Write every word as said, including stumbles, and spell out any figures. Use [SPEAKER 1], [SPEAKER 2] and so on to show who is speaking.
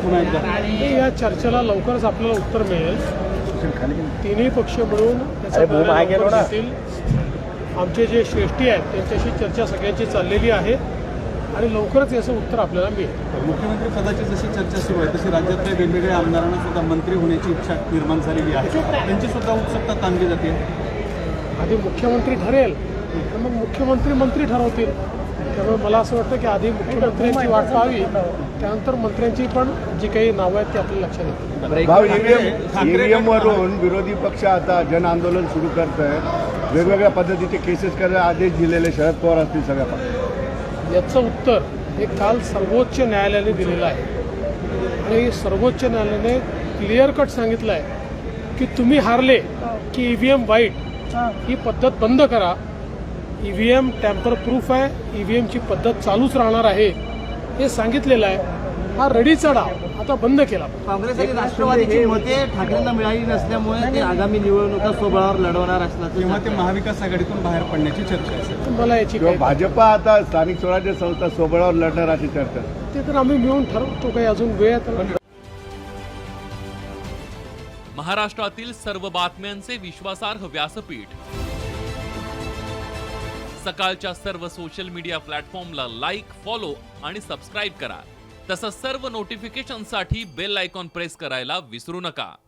[SPEAKER 1] पुन्हा एकदा
[SPEAKER 2] या चर्चेला लवकरच आपल्याला उत्तर मिळेल. तिन्ही पक्ष मिळून त्याचा निर्णय लवकर घेतील. आमचे जे श्रेष्ठी आहेत त्यांच्याशी चर्चा सगळ्यांची चाललेली आहे आणि लवकरच याचं उत्तर आपल्याला मिळेल.
[SPEAKER 1] मुख्यमंत्री पदाची जशी चर्चा सुरू आहे तशी राज्यातल्या वेगवेगळ्या आमदारांना सुद्धा मंत्री होण्याची इच्छा निर्माण झालेली आहे. त्यांची सुद्धा उत्सुकता ताणली जाते.
[SPEAKER 2] आधी मुख्यमंत्री ठरेल तर मग मुख्यमंत्री मंत्री ठरवतील. त्यामुळे मला असं वाटतं की आधी मुख्यमंत्र्यांची वाट पाहावी, त्यानंतर मंत्र्यांची पण जी काही नावं आहेत ती आपल्या लक्षात येतील.
[SPEAKER 3] भाऊ, ईव्हीएम ईव्हीएम वरून विरोधी पक्ष आता जन आंदोलन सुरू करत आहे. वेगवेगळ्या पद्धतीचे केसेस करायला आदेश दिलेले शरद पवार असतील सगळ्या पक्षांना.
[SPEAKER 2] याचं उत्तर हे काल सर्वोच्च न्यायालयाने दिलेलं आहे आणि सर्वोच्च न्यायालयाने क्लिअर कट सांगितलं आहे की तुम्ही हारले की ईव्हीएम वाईट ही पद्धत बंद करा. ईव्हीएम टॅम्पर प्रूफ आहे, ईव्हीएमची पद्धत चालूच राहणार आहे हे सांगितलेलं आहे. हा रडीचा डाव आता बंद केला.
[SPEAKER 4] काँग्रेस आणि राष्ट्रवादीची मते ठाकरेंना मिळाली नसल्यामुळे ते आगामी निवडणुका स्वबळावर लढवणार असल्याचं
[SPEAKER 1] तेव्हा ते महाविकास आघाडीतून बाहेर पडण्याची चर्चा असेल.
[SPEAKER 2] मला याची
[SPEAKER 3] किंवा
[SPEAKER 2] काही
[SPEAKER 3] भाजपा आता स्थानिक स्वराज्य संस्था स्वबळावर लढणार अशी चर्चा.
[SPEAKER 2] ते तर आम्ही मिळून ठरवतो. काही अजून वेळ आहे तर.
[SPEAKER 5] महाराष्ट्रातील सर्व बातम्यांचे विश्वासार्ह व्यासपीठ सकाळच्या सर्व सोशल मीडिया प्लॅटफॉर्मला लाईक, फॉलो आणि सबस्क्राईब करा. तसंच सर्व नोटिफिकेशनसाठी बेल आयकॉन प्रेस करायला विसरू नका.